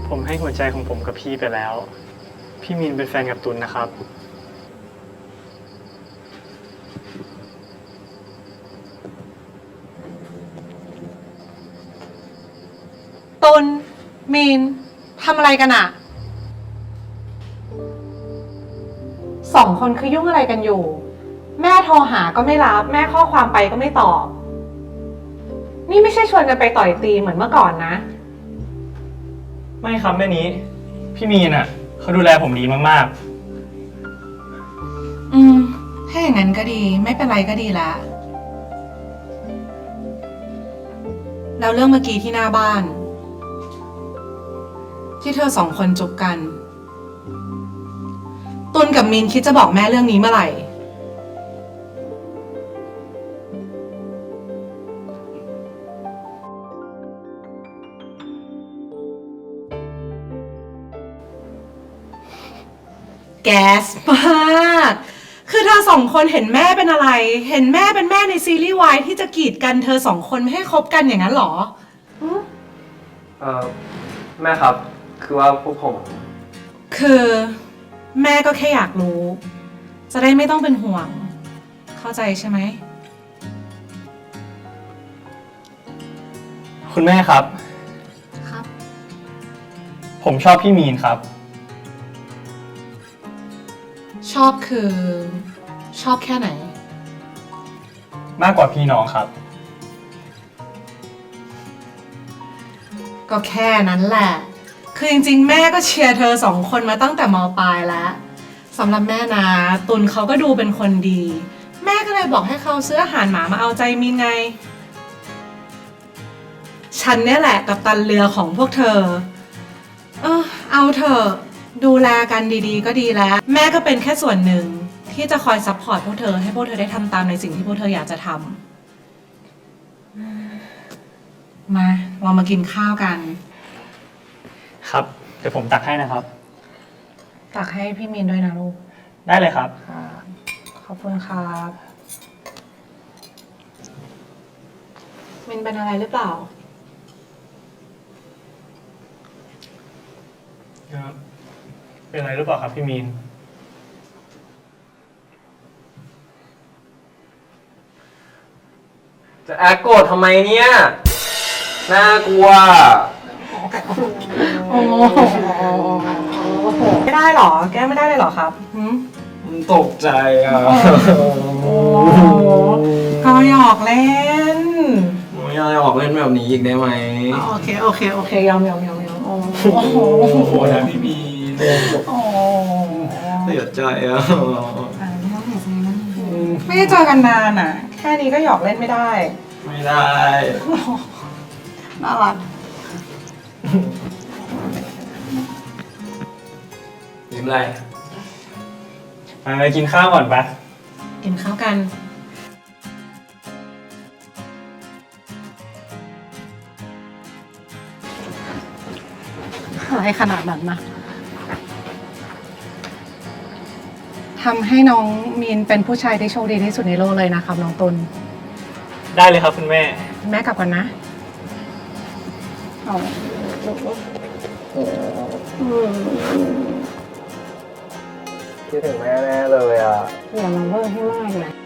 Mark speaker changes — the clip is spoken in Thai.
Speaker 1: ผมให้หัวใจของผมกับพี่ไปแล้ว พี่มีนเป็นแฟนกับตุลนะครับ
Speaker 2: ตุลมีนทำอะไรกันอะสองคนคือยุ่งอะไรกันอยู่ แม่โทรหาก็ไม่รับ แม่ข้อความไปก็ไม่ตอบ นี่ไม่ใช่ชวนกันไปต่อยตีเหมือนเมื่อก่อนนะ
Speaker 1: ไม่ครับแม่นี้ พี่มีนอ่ะเขาดูแลผมดีมาก
Speaker 2: ถ้าอย่างนั้นก็ดีไม่เป็นไรก็ดีละแล้วเรื่องเมื่อกี้ที่หน้าบ้าน ที่เธอสองคนจูบกัน ตุลกับมีนคิดจะบอกแม่เรื่องนี้เมื่อไหร่ แก๊สมาก คือเธอสองคนเห็นแม่เป็นอะไร เห็นแม่เป็นแม่ในซีรีส์วายที่จะกีดกันเธอสองคนไม่ให้คบกันอย่างนั้นเหรอ
Speaker 3: แม่ครับ คือว่าพวกผม
Speaker 2: คือแม่ก็แค่อยากรู้ จะได้ไม่ต้องเป็นห่วง เข้าใจใช่ไหม
Speaker 1: ๆ คุณแม่ครับ
Speaker 2: ครับ
Speaker 1: ผมชอบพี่มีนครับ
Speaker 2: ชอบคือชอบแค่ไหน
Speaker 1: มากกว่าพี่น้องครับ
Speaker 2: ก็แค่นั้นแหละ คือจริงๆ แม่ก็เชียร์เธอสองคนมาตั้งแต่ม.ปลายแล้วสำหรับแม่นะตุลเขาก็ดูเป็นคนดี แม่ก็เลยบอกให้เขาซื้ออาหารหมามาเอาใจมินไง ฉันเนี่ยแหละกัปตันเรือของพวกเธอ เอาเถอะดูแลกันดีๆ ก็ดีแล้ว แม่ก็เป็นแค่ส่วนหนึ่งที่จะคอยซัพพอร์ตพวกเธอให้พวกเธอได้ทำตามในสิ่งที่พวกเธออยากจะทำมาเรามากินข้าวกัน
Speaker 1: ครับ เดี๋ยวผมตักให้นะครับ
Speaker 2: ตักให้พี่มีนด้วยนะลูก
Speaker 1: ได้เลยครับ
Speaker 2: ขอบคุณครับมินเป็นอะไรหรือเปล่า
Speaker 1: เป็นอะไรหรือเปล่าครับพี่มีน
Speaker 3: จะแอคโกรธทำไมเนี่ย น่ากลัว
Speaker 2: โอ้โหไม่ได้หรอ แก้ไม่ได้เลยหรอครับหืม
Speaker 3: ตกใจอ่ะ
Speaker 2: โอ้ก็หยอกเล่น
Speaker 3: ไม่อยากออกเล่นแบบนี้อีกได้ไหม
Speaker 2: โอเค ยอมโอ้โห
Speaker 3: โอ้ยพี่มี
Speaker 2: โอ้
Speaker 3: เสียใจอ่ะ
Speaker 2: ไม่ได้เจอกันนานอ่ะ แค่นี้ก็หยอกเล่นไม่ได้
Speaker 3: ไม่ได้
Speaker 2: น่ารัก
Speaker 3: ยิ้มอะไร
Speaker 1: มากินข้าวก่อนปะ
Speaker 2: กินข้าวกัน อะไรขนาดนั้นนะทำให้น้องมีนเป็นผู้ชายที่โชคดีที่สุดในโลกเลยนะครับน้องตุล
Speaker 1: ได้เลยครับคุณแม่
Speaker 2: แม่กลับก่อนนะ
Speaker 3: คิดถึงแม่แน่เลยอ่ะ
Speaker 2: อย่ามาเบอร์ให้มากนะ